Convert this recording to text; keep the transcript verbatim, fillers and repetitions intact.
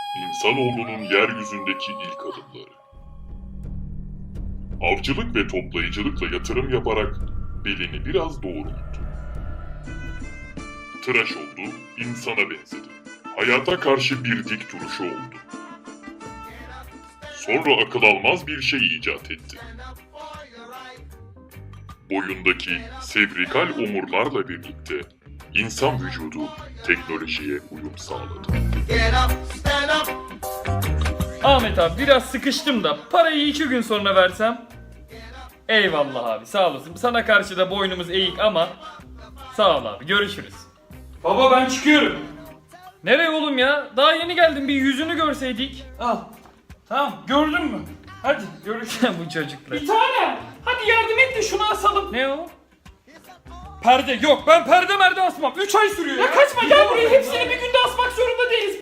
İnsanoğlunun yeryüzündeki ilk adımları. Avcılık ve toplayıcılıkla yatırım yaparak belini biraz doğrulttu. Tıraş oldu, insana benzedi. Hayata karşı bir dik duruşu oldu. Sonra akıl almaz bir şey icat etti. Boyundaki sevrikal omurlarla birlikte insan vücudu teknolojiye uyum sağladı. Ahmet abi biraz sıkıştım da parayı iki gün sonra versem. Eyvallah abi, sağ olasın. Sana karşı da boynumuz eğik ama sağ ol abi, görüşürüz. Baba ben çıkıyorum. Nereye oğlum ya? Daha yeni geldim, bir yüzünü görseydik. Al. Tamam, gördün mü? Hadi görüşürüz. Bu çocuklar. Bir tane. Hadi yardım et de şunu asalım. Ne o? Perde yok, ben perde merde asmam. üç ay sürüyor ya. Ya kaçma, gel buraya, hepsini bir günde asmak zorunda değiliz.